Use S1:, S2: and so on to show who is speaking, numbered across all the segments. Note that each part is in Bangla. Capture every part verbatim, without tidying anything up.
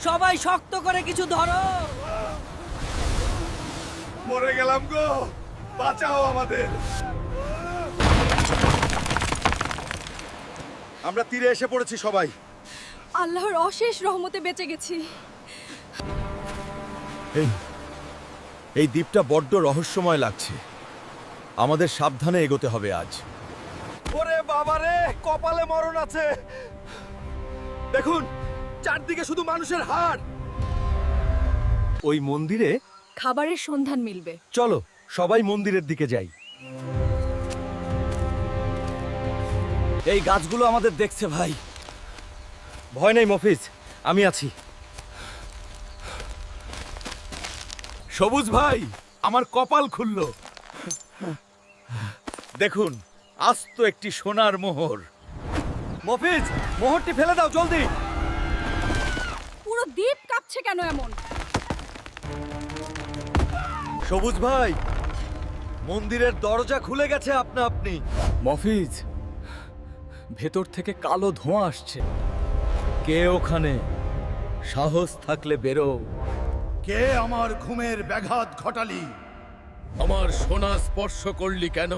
S1: সবাই শক্ত করে কিছু ধরো।
S2: মরে গেলাম গো, বাঁচাও আমাদের। আমরা তীরে এসে পড়েছি সবাই।
S3: আল্লাহর অশেষ রহমতে বেঁচে গেছি।
S2: এই এই দ্বীপটা বড্ড রহস্যময় লাগছে। আমাদের সাবধানে এগোতে হবে আজ। ওরে বাবারে, কপালে মরণ আছে। দেখুন, চারদিকে শুধু মানুষের হাড়। ওই মন্দিরে
S3: খাবারের সন্ধান মিলবে।
S2: চলো সবাই মন্দিরের দিকে যাই। এই গাছগুলো আমাদের দেখছে ভাই। ভয় নেই মফিজ, আমি আছি। সবুজ ভাই, আমার কপাল খুলল। দেখুন, আস্ত একটি সোনার মোহর। মফিজ, মোহরটি ফেলে দাও জলদি।
S3: পুরো দ্বীপ কাঁপছে কেন এমন?
S2: সবুজ ভাই, মন্দিরের দরজা খুলে গেছে আপনা আপনি।
S4: মফিজ, ভেতর থেকে কালো ধোঁয়া আসছে।
S2: কে ওখানে? সাহস থাকলে বেরো।
S5: কে আমার ঘুমের ব্যাঘাত ঘটালি?
S6: আমার সোনা স্পর্শ করলি কেন?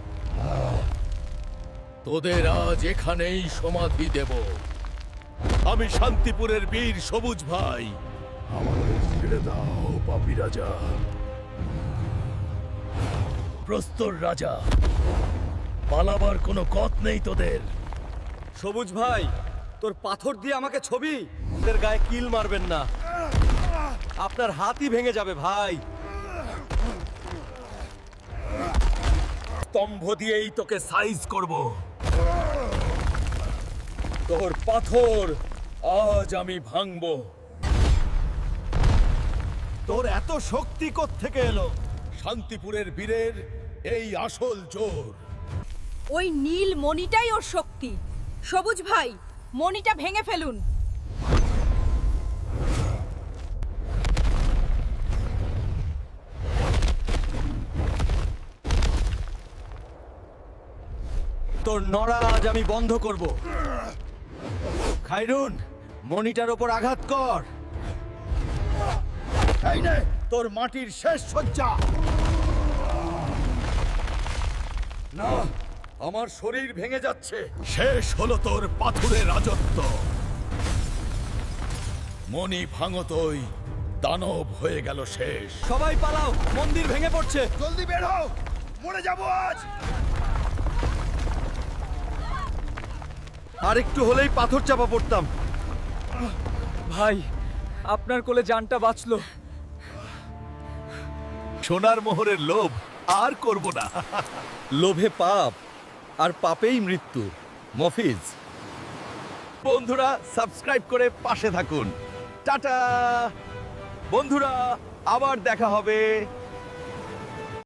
S6: তোদের আজ এখানেই সমাধি দেব। আমি শান্তিপুরের বীর সবুজ ভাই।
S5: আমাদের ছেড়ে দাও পাপী রাজা।
S6: প্রস্তর রাজা, পালাবার কোনো পথ নেই তোদের।
S2: সবুজ ভাই, তোর পাথর দিয়ে আমাকে ছবি। ওদের গায়ে কিল মারবেন না, আপনার হাতই ভেঙে যাবে ভাই।
S6: স্তম্ভ দিয়েই তোকে সাইজ করব। তোর পাথর আজ আমি ভাঙব।
S2: তোর এত শক্তি থেকে এলো?
S6: শান্তিপুরের বীরের এই আসল জোর।
S3: ওই নীল মণিটাই ওর শক্তি। সবুজ ভাই, মণিটা ভেঙে ফেলুন।
S2: তোর নড়া আজ আমি বন্ধ করব। খাইরুন, মনিটার ওপর আঘাত কর।
S5: এই নে তোর মাটির শেষ সজ্জা।
S2: না, আমার শরীর ভেঙে যাচ্ছে।
S6: শেষ হলো তোর পাথুরের রাজত্ব। মনি ভাঙতই দানব হয়ে গেল শেষ।
S2: সবাই পালাও, মন্দির ভেঙে পড়ছে।
S5: জলদি বের হও, মরে যাবো আজ।
S2: আর একটু হলেই পাথর চাপা পড়তাম।
S4: ভাই, আপনার কোলে জানটা বাঁচলো।
S6: সোনার মোহরের লোভ আর করব না।
S2: লোভে পাপ, আর পাপেই মৃত্যু। মফিজ, বন্ধুরা সাবস্ক্রাইব করে পাশে থাকুন। টাটা বন্ধুরা, আবার দেখা হবে।